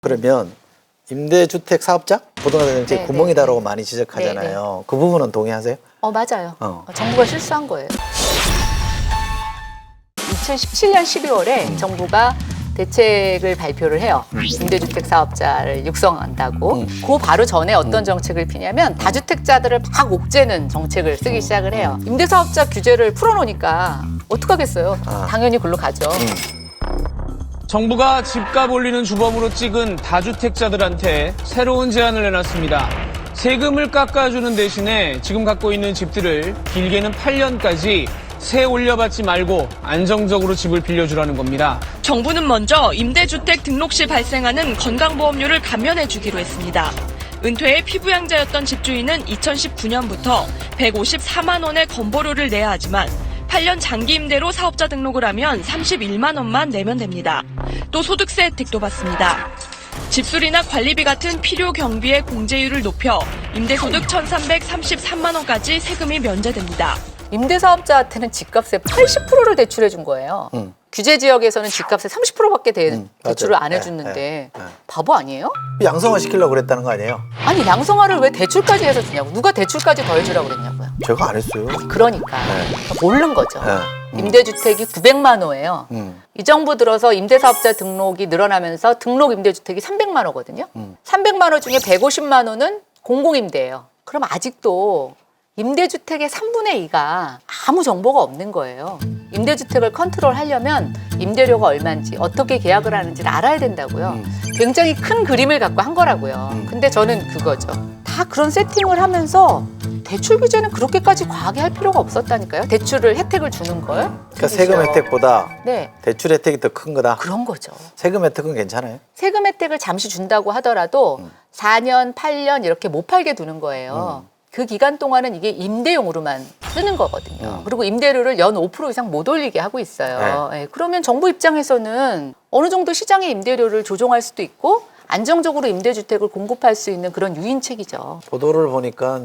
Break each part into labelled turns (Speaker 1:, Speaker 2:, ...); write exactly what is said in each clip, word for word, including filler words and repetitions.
Speaker 1: 그러면 임대주택 사업자 부동산 정책이
Speaker 2: 네,
Speaker 1: 구멍이다라고
Speaker 2: 네.
Speaker 1: 많이 지적하잖아요.
Speaker 2: 네,
Speaker 1: 그 부분은 동의하세요?
Speaker 2: 어 맞아요.
Speaker 1: 어.
Speaker 2: 어, 정부가 실수한 거예요. 이천십칠 년 십이월에
Speaker 1: 음.
Speaker 2: 정부가 대책을 발표를 해요. 음. 임대주택 사업자를 육성한다고.
Speaker 1: 음.
Speaker 2: 그 바로 전에 어떤
Speaker 1: 음.
Speaker 2: 정책을 피냐면 다주택자들을 막 옥죄는 정책을 쓰기 시작을 해요. 임대사업자 규제를 풀어놓으니까 어떡하겠어요.
Speaker 1: 아.
Speaker 2: 당연히 글로 가죠.
Speaker 1: 음.
Speaker 3: 정부가 집값 올리는 주범으로 찍은 다주택자들한테 새로운 제안을 내놨습니다. 세금을 깎아주는 대신에 지금 갖고 있는 집들을 길게는 팔 년까지 세 올려받지 말고 안정적으로 집을 빌려주라는 겁니다.
Speaker 4: 정부는 먼저 임대주택 등록 시 발생하는 건강보험료를 감면해주기로 했습니다. 은퇴의 피부양자였던 집주인은 이천십구 년부터 백오십사만 원의 건보료를 내야 하지만 팔 년 장기 임대로 사업자 등록을 하면 삼십일만 원만 내면 됩니다. 또 소득세 혜택도 받습니다. 집수리나 관리비 같은 필요 경비의 공제율을 높여 임대소득 천삼백삼십삼만 원까지 세금이 면제됩니다.
Speaker 2: 임대사업자한테는 집값의 팔십 퍼센트를 대출해 준 거예요.
Speaker 1: 음.
Speaker 2: 규제 지역에서는 집값의 삼십 퍼센트밖에 대,
Speaker 1: 음,
Speaker 2: 대출을
Speaker 1: 맞아요.
Speaker 2: 안
Speaker 1: 네,
Speaker 2: 해줬는데
Speaker 1: 네, 네.
Speaker 2: 바보 아니에요?
Speaker 1: 양성화 시키려고 그랬다는 거 아니에요?
Speaker 2: 아니 양성화를 왜 대출까지 해서 주냐고. 누가 대출까지 더 해주라고 그랬냐고요.
Speaker 1: 제가 안 했어요.
Speaker 2: 그러니까
Speaker 1: 네.
Speaker 2: 모르는 거죠.
Speaker 1: 네. 음.
Speaker 2: 임대주택이 구백만 호예요.
Speaker 1: 음.
Speaker 2: 이 정부 들어서 임대사업자 등록이 늘어나면서 등록 임대주택이 삼백만 호거든요.
Speaker 1: 음.
Speaker 2: 삼백만 호 중에 백오십만 호는 공공임대예요. 그럼 아직도 임대주택의 삼분의 이가 아무 정보가 없는 거예요. 임대주택을 컨트롤하려면 임대료가 얼마인지 어떻게 계약을 하는지를 알아야 된다고요.
Speaker 1: 음.
Speaker 2: 굉장히 큰 그림을 갖고 한 거라고요.
Speaker 1: 음.
Speaker 2: 근데 저는 그거죠. 다 그런 세팅을 하면서 대출 규제는 그렇게까지 과하게 할 필요가 없었다니까요. 대출을 혜택을 주는 걸.
Speaker 1: 그러니까 세금 혜택보다
Speaker 2: 네,
Speaker 1: 대출 혜택이 더 큰 거다.
Speaker 2: 그런 거죠.
Speaker 1: 세금 혜택은 괜찮아요?
Speaker 2: 세금 혜택을 잠시 준다고 하더라도
Speaker 1: 음.
Speaker 2: 사 년, 팔 년 이렇게 못 팔게 두는 거예요.
Speaker 1: 음.
Speaker 2: 그 기간 동안은 이게 임대용으로만 쓰는 거거든요.
Speaker 1: 음.
Speaker 2: 그리고 임대료를 연 오 퍼센트 이상 못 올리게 하고 있어요. 네, 그러면 정부 입장에서는 어느 정도 시장의 임대료를 조정할 수도 있고 안정적으로 임대주택을 공급할 수 있는 그런 유인책이죠.
Speaker 1: 보도를 보니까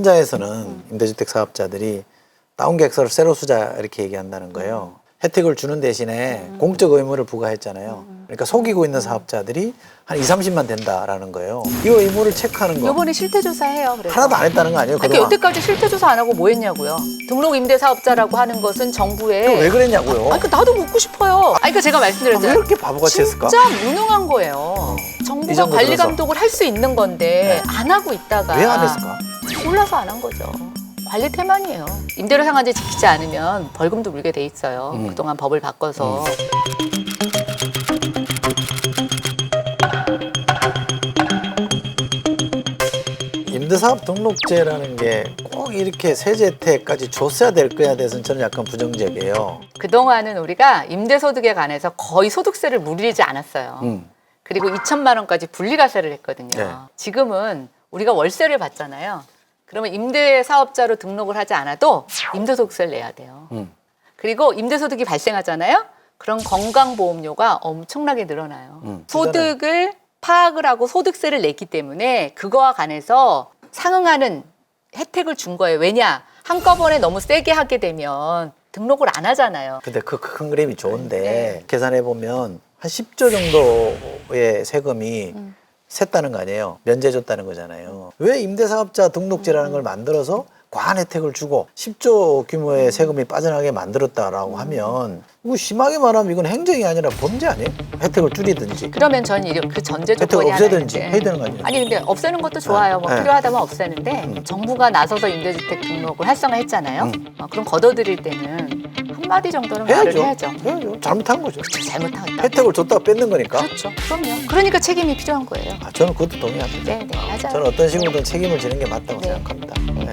Speaker 1: 현장에서는 임대주택 사업자들이 다운 계획서를 새로 쓰자 이렇게 얘기한다는 거예요. 혜택을 주는 대신에 공적 의무를 부과했잖아요. 그러니까 속이고 있는 사업자들이 한 이삼십만 된다라는 거예요. 이 의무를 체크하는 거
Speaker 2: 이번에 실태조사해요. 그래서.
Speaker 1: 하나도 안 했다는 거 아니에요?
Speaker 2: 아니,
Speaker 1: 그동안?
Speaker 2: 여태까지 실태조사 안 하고 뭐 했냐고요. 등록 임대사업자라고 하는 것은 정부의
Speaker 1: 왜 그랬냐고요?
Speaker 2: 아니, 그 나도 묻고 싶어요. 아니, 그러니까 제가
Speaker 1: 아,
Speaker 2: 말씀드렸잖아요.
Speaker 1: 왜 이렇게 바보같이 했을까?
Speaker 2: 진짜 무능한 거예요.
Speaker 1: 이
Speaker 2: 정부가
Speaker 1: 정부
Speaker 2: 관리
Speaker 1: 들어서.
Speaker 2: 감독을 할 수 있는 건데 안 하고 있다가
Speaker 1: 왜 안 했을까?
Speaker 2: 몰라서 안 한 거죠. 관리 태만이에요. 임대료 상한제 지키지 않으면 벌금도 물게 돼 있어요.
Speaker 1: 음.
Speaker 2: 그동안 법을 바꿔서.
Speaker 1: 임대사업 등록제라는 게 꼭 이렇게 세제 혜택까지 줬어야 될 거야 대해서는 저는 약간 부정적이에요.
Speaker 2: 그동안은 우리가 임대소득에 관해서 거의 소득세를 물리지 않았어요.
Speaker 1: 음.
Speaker 2: 그리고 이천만 원까지 분리과세를 했거든요.
Speaker 1: 네.
Speaker 2: 지금은 우리가 월세를 받잖아요. 그러면 임대사업자로 등록을 하지 않아도 임대소득세를 내야 돼요.
Speaker 1: 음.
Speaker 2: 그리고 임대소득이 발생하잖아요. 그럼 건강보험료가 엄청나게 늘어나요.
Speaker 1: 음.
Speaker 2: 소득을 파악을 하고 소득세를 냈기 때문에 그거와 관해서 상응하는 혜택을 준 거예요. 왜냐? 한꺼번에 너무 세게 하게 되면 등록을 안 하잖아요.
Speaker 1: 근데 그 큰 그림이 좋은데
Speaker 2: 네.
Speaker 1: 계산해 보면 한 십조 정도의 세금이
Speaker 2: 음.
Speaker 1: 샜다는 거 아니에요. 면제줬다는 거잖아요. 왜 임대사업자 등록제라는 걸 만들어서 과한 혜택을 주고 십조 규모의 세금이 빠져나가게 만들었다라고 하면 이거 심하게 말하면 이건 행정이 아니라 범죄 아니에요? 혜택을 줄이든지
Speaker 2: 그러면 저는 이런 그 전제
Speaker 1: 혜택을
Speaker 2: 조건이 하나
Speaker 1: 없애든지
Speaker 2: 있는데.
Speaker 1: 해야 되는 거 아니에요?
Speaker 2: 아니 근데 없애는 것도 좋아요. 뭐
Speaker 1: 네.
Speaker 2: 필요하다면 없애는데
Speaker 1: 음.
Speaker 2: 정부가 나서서 임대주택 등록을 활성화했잖아요.
Speaker 1: 음.
Speaker 2: 어, 그럼 걷어들일 때는 한마디 정도는 말을
Speaker 1: 해야죠.
Speaker 2: 해야죠.
Speaker 1: 해야죠. 잘못한 거죠.
Speaker 2: 그쵸, 잘못한 거다.
Speaker 1: 혜택을 줬다가 뺏는 거니까.
Speaker 2: 그렇죠. 그럼요. 그러니까 책임이 필요한 거예요.
Speaker 1: 아, 저는 그것도 동의합니다.
Speaker 2: 네, 네, 맞아요.
Speaker 1: 저는 어떤 식으로든 책임을 지는 게 맞다고
Speaker 2: 네.
Speaker 1: 생각합니다. 네.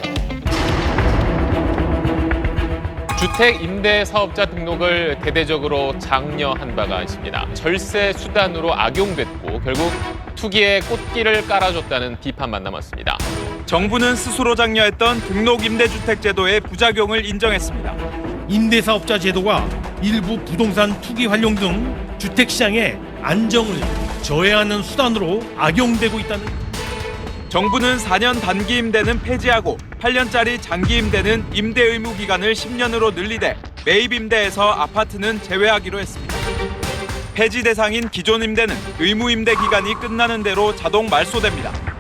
Speaker 5: 주택 임대 사업자 등록을 대대적으로 장려한 바가 있습니다. 절세 수단으로 악용됐고 결국 투기에 꽃길을 깔아줬다는 비판만 남았습니다.
Speaker 6: 정부는 스스로 장려했던 등록 임대주택 제도의 부작용을 인정했습니다.
Speaker 7: 임대사업자 제도가 일부 부동산 투기 활용 등 주택시장의 안정을 저해하는 수단으로 악용되고 있다는
Speaker 6: 정부는 사 년 단기 임대는 폐지하고 팔 년짜리 장기 임대는 임대 의무 기간을 십 년으로 늘리되 매입 임대에서 아파트는 제외하기로 했습니다. 폐지 대상인 기존 임대는 의무 임대 기간이 끝나는 대로 자동 말소됩니다.